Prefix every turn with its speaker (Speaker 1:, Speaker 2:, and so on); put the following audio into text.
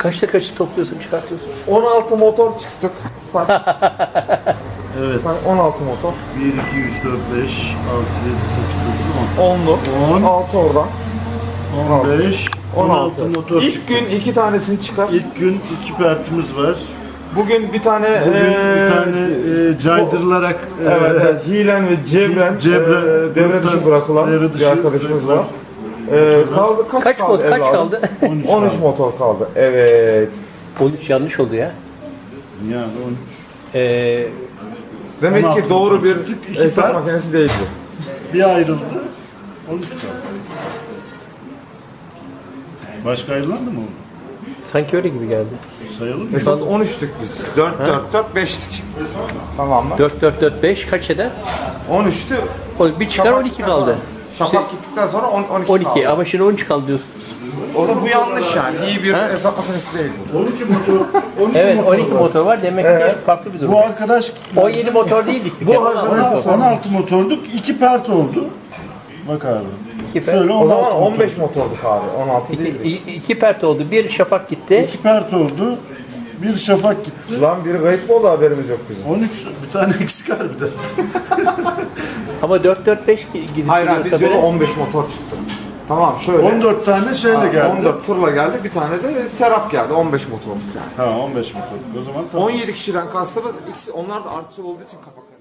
Speaker 1: Kaçta kaçı topluyorsun, çıkartıyorsun?
Speaker 2: 16 motor çıktık.
Speaker 3: Evet.
Speaker 2: 16 motor.
Speaker 3: 1, 2, 3, 4, 5, 6, 7, 8, 9,
Speaker 2: 10'lu.
Speaker 3: 10.
Speaker 2: 6 oradan.
Speaker 3: 15, 16 motor
Speaker 2: İlk
Speaker 3: çıktı.
Speaker 2: gün 2 tanesini çıkar.
Speaker 3: İlk gün 2 pertimiz var.
Speaker 2: Bugün bir tane
Speaker 3: Bugün bir tane caydırılarak
Speaker 2: evet, hilen ve cebren, devre dışı bırakılan
Speaker 3: devre dışı
Speaker 2: bir arkadaşımız var. Kaldı
Speaker 1: Kaç
Speaker 2: kaldı?
Speaker 1: kaç
Speaker 2: evladım?
Speaker 1: kaldı?
Speaker 2: 13 motor kaldı. Evet.
Speaker 1: 13 yanlış oldu ya.
Speaker 3: yani 13.
Speaker 2: Demek
Speaker 3: 16
Speaker 2: ki doğru
Speaker 3: motor
Speaker 2: bir
Speaker 3: çıktık, iki
Speaker 2: hesap
Speaker 3: part.
Speaker 2: makinesi değil bu.
Speaker 3: Bir ayrıldı. 13 kaldı. Başka ayrılan da mı oldu?
Speaker 1: Sanki öyle gibi geldi.
Speaker 3: Sayalım mı?
Speaker 2: Esas 13'tük biz. 4 4 4 5'tik. Tamam mı?
Speaker 1: 4 4 4 5 kaç eder?
Speaker 2: 13'tü.
Speaker 1: Bir çıkar 12 kaldı.
Speaker 2: Şafak gittikten sonra 12
Speaker 1: 12
Speaker 2: kaldı.
Speaker 1: ama şimdi 13 kaldı diyorsun.
Speaker 2: O da bu yanlış yani. İyi bir hesap makinesi değil bu.
Speaker 3: 12 motor. 12
Speaker 1: Evet
Speaker 3: motor
Speaker 1: 12
Speaker 3: var.
Speaker 1: motor var demek ki farklı bir durum.
Speaker 3: Bu arkadaş
Speaker 1: 17 motor değildik bir kere.
Speaker 3: 16 motorduk. 2 pert oldu. Bak abi.
Speaker 1: İki pert.
Speaker 3: Şöyle
Speaker 2: O
Speaker 3: 16
Speaker 2: zaman
Speaker 3: motor.
Speaker 2: 15 motorduk abi. 16 değil.
Speaker 1: 2 pert oldu. Bir şafak gitti.
Speaker 3: 2 pert oldu. Bir şafak gitti.
Speaker 2: Lan biri kayıp mı oldu, haberimiz yok bizim.
Speaker 3: 13 bir tane eksik harbiden.
Speaker 1: Ama 4 4 5 gidip
Speaker 2: Hayır abi, biz
Speaker 1: gidiyorsa
Speaker 2: yola
Speaker 1: böyle
Speaker 2: 15 motor çıktı. Tamam şöyle.
Speaker 3: 14 tane şeyle geldi.
Speaker 2: 14 tırla geldi. Bir tane de Serap geldi. 15 motorluk yani.
Speaker 3: Ha 15 motor. O zaman tamam.
Speaker 2: 17 kişiden kastımız, onlar da artçı olduğu için kafa